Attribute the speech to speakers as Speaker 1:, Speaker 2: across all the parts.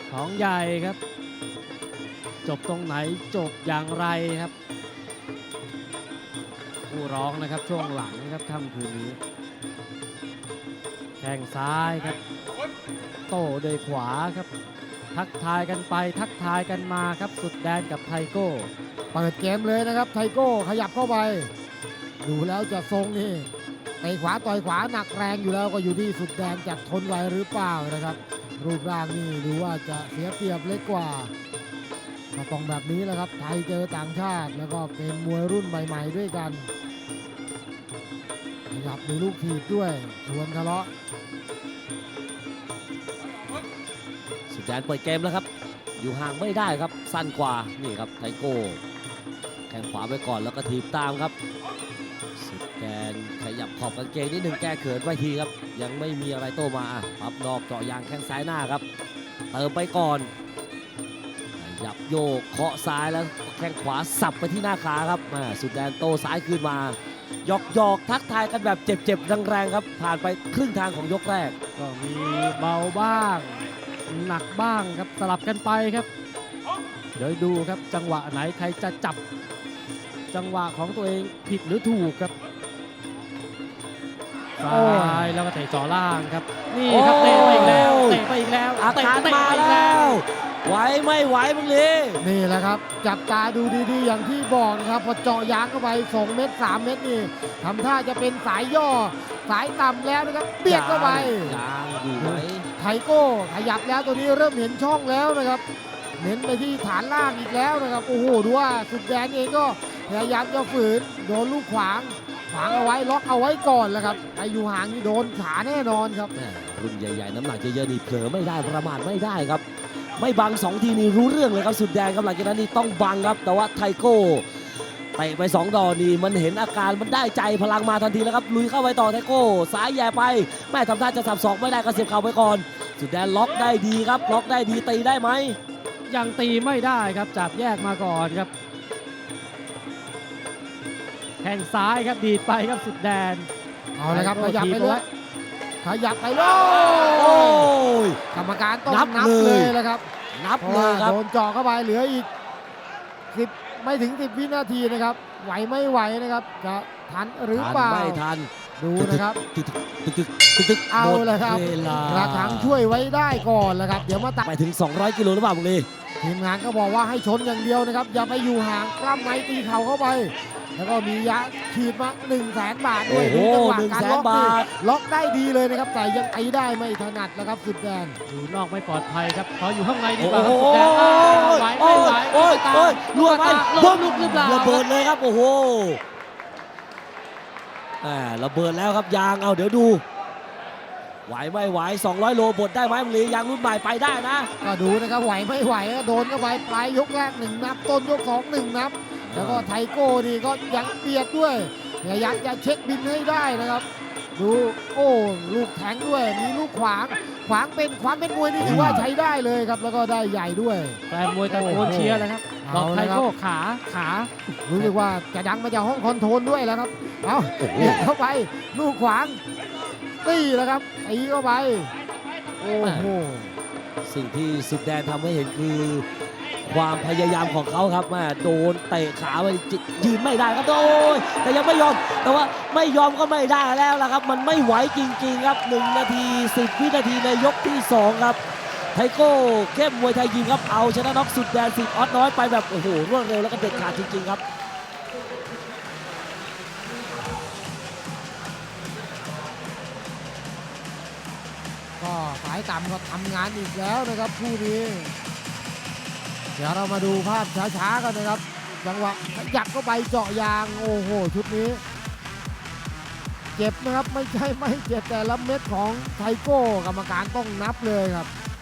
Speaker 1: ของใหญ่ครับจบตรงไหนจบอย่างไรครับผู้ร้องนะครับช่วงหลังครับค่ำคืนนี้แข้งซ้ายครับโต้ด้วยขวาครับทักทายกันไปทักทายกันมาครับสุดแดนกับไทโก้
Speaker 2: เปิดเกมเลยนะครับไทโก้ขยับเข้าไปดูแล้วจะทรงนี่เตะขวาต่อยขวาหนักแรงอยู่แล้วก็อยู่ที่สุดแดนจะทนไหวหรือเปล่านะครับรูปร่างนี่ดูว่าจะเสียเปรียบเล็กกว่าก็ต้องแบบนี้แหละครับไทยเจอต่างชาติแล้วก็เป็นมวยรุ่นใหม่ๆด้วยกันขยับมีลูกถีบด้วยชวนทะเลาะ
Speaker 3: สุดแดนเปิดเกมแล้วครับอยู่ห่างไม่ได้ครับสั้นกว่านี่ครับไทโก้แข้งขวาไปก่อนแล้วก็ถีบตามครับสุดแดนขยับขอบกางเกงนิดหนึ่งแก้เขินไว้ทีครับยังไม่มีอะไรโต้มาพับนอกเจาะยางแข้งซ้ายหน้าครับเติมไปก่อนขยับโยกเคาะซ้ายแล้วแข้งขวาสับไปที่หน้าขาครับสุดแดนโต้ซ้ายคืนมาหยอกทักทายกันแบบเจ็บๆแรงๆครับผ่านไปครึ่งทางของยกแรก
Speaker 1: ก็มีเบาบ้างหนักบ้างครับสลับกันไปครับเดี๋ยวดูครับจังหวะไหนใครจะจับจังหวะของตัวเองผิดหรือถูกครับซ้ายแล้วก็เตะจ่อล่างครับนี่ครับเตะไปอีกแล้วเตะไปอีกแล้ว
Speaker 3: อาการมาแล้วไหวไม่ไหวมึงลี
Speaker 2: นี่แหละครับจับตาดูดีๆอย่างที่บอกนะครับพอเจาะยางเข้าไป2เม็ด3เม็ดนี่ทำท่าจะเป็นสายย่อสายต่ำแล้วนะครับเบียดเข้าไป
Speaker 3: ยางอยู่ไหม
Speaker 2: ไทโก้ขยับแล้วตัวนี้เริ่มเห็นช่องแล้วนะครับเน้นไปที่ฐานล่างอีกแล้วนะครับโอ้โหดูว่าสุดแดนเองก็พยายามจะฝืนโดนลูกขวางเอาไว้ล็อกเอาไว้ก่อนแล้วครับไออยู่ห่างนี่โดนขาแน่นอนครับ
Speaker 3: รุ่นใหญ่ๆน้ำหนักเยอะๆนี่เผลอไม่ได้ประมาทไม่ได้ครับไม่บัง2ทีนี่รู้เรื่องเลยครับสุดแดงครับหลังจากนั้นนี่ต้องบังครับแต่ว่าไทโก้เตะไป2ดอกนี่มันเห็นอาการมันได้ใจพลังมาทันทีแล้วครับลุยเข้าไปต่อไทโก้ซ้ายแย่ไปแม่ทำท่าจะสับศอกไม่ได้ก็เสียบเข่าไปก่อนสุดแดนล็อกได้ดีครับล็อกได้ดีตีได้ไหม
Speaker 1: ยังตีไม่ได้ครับจับแยกมาก่อนครับแข้งซ้ายครับดีดไปครับสุดแดน
Speaker 2: เอาเลยครับขยับไปเลยขยับไปเลยกรรมการต้องนับเลยแล้วครับ
Speaker 3: นับเลยครับ
Speaker 2: โดนเจาะเข้าไปเหลืออีก10ไม่ถึง10วินาทีนะครับไหวไม่ไหวนะครับจะทันหรือเปล่า
Speaker 3: ไม่ทัน
Speaker 2: ดูนะครับ
Speaker 3: ตึก
Speaker 2: เอาเลยครับกระถางช่วยไว้ได้ก่อนแล้วครับเดี๋ยวมาตัด
Speaker 3: ไปถึง200กิโลหรือเปล่ามึงลี
Speaker 2: ทีมงานก็บอกว่าให้ชนอย่างเดียวนะครับอย่าไปอยู่ห่างกล้ามไม้ตีเข่าเข้าไปแล้วก็มียะขีดมา100,000 บาทด้วย
Speaker 3: ดูจังหวะการ
Speaker 2: ล็อกได้ดีเลยนะครับแต่ยังตีได้ไม่ถนัดนะครับสุดแดน
Speaker 1: อยู่นอกไม่ปลอดภัยครับขออยู่ข้างในดีกว่าครับสุดแดนไหวไม่ไหว
Speaker 3: โอ้ยล่วงไป
Speaker 1: ลุกหรือเปล่า
Speaker 3: ระเบิดเลยครับโอ้โหระเบิดแล้วครับยางเอาเดี๋ยวดูไหวไม่ไหว200โลบดได้ไหมมึงลียางรุ่นใหม่ไปได้นะ
Speaker 2: ก็ดูนะครับไหวไม่ไหวโดนเข้าไปปลายยกแรก1 นับต้นยก2 1 นับแล้วก็ไทโก้นี่ก็ยังเบียดด้วยพยายามจะเช็คบินให้ได้นะครับดูโอ้ลูกแทงด้วยมีลูกขวางเป็นความเป็นมวยนี่ถือว่าใช้ได้เลยครับแล้วก็ได้ใหญ่ด้วย
Speaker 1: แฟนมวยตะโกนเชียร์เลยครับบอกไทโก้ขา
Speaker 2: รู้สึกว่าจะดังมาจากห้องคอนโทรลด้วยแล้วครับเอาเบียดเข้าไปลูกขวางตีแล้วครับตีเข้าไปโอ้โห
Speaker 3: สิ่งที่สุดแดนทำให้เห็นคือความพยายามของเขาครับโดนเตะขาไปยืนไม่ได้ครับโอ้ยแต่ยังไม่ยอมแต่ว่าไม่ยอมก็ไม่ได้แล้วล่ะครับมันไม่ไหวจริงๆครับ1 นาที10 วินาทีในยกที่2ครับไทโก้เข้มมวยไทยยิมครับเอาชนะน็อกสุดแดนสิทธิ์ออสน้อยไปแบบโอ้โหรวดเร็วแล้วก็เด็ดขาดจริงๆครับ
Speaker 2: ก็สายต่ำก็ทำงานอีกแล้วนะครับคู่นี้เดี๋ยวเรามาดูภาพช้าๆกันนะครับจังหวะยักเข้าไปเจาะยางโอ้โหชุดนี้เจ็บนะครับไม่ใช่ไม่เจ็บแต่ละเม็ดของไทโก้กรรมการต้องนับเลยครับ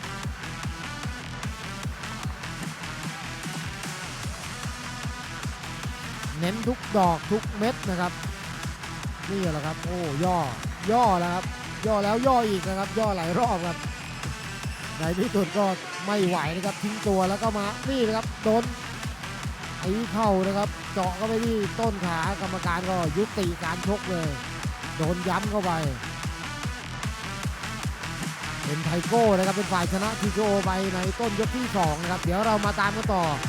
Speaker 2: เน้นทุกดอกทุกเม็ดนะครับนี่แหละครับโอ้ย่อแล้วครับย่อแล้วย่ออีกนะครับย่อหลายรอบครับในที่สุดก็ไม่ไหวนะครับทิ้งตัวแล้วก็มานี่นะครับโดนไอ้เข่านะครับเจาะเข้าไปที่ต้นขากรรมการก็ยุติการชกเลยโดนย้ำเข้าไปเป็นไทโก้นะครับเป็นฝ่ายชนะทีโอไปในต้นยกที่2นะครับเดี๋ยวเรามาตามกันต่อ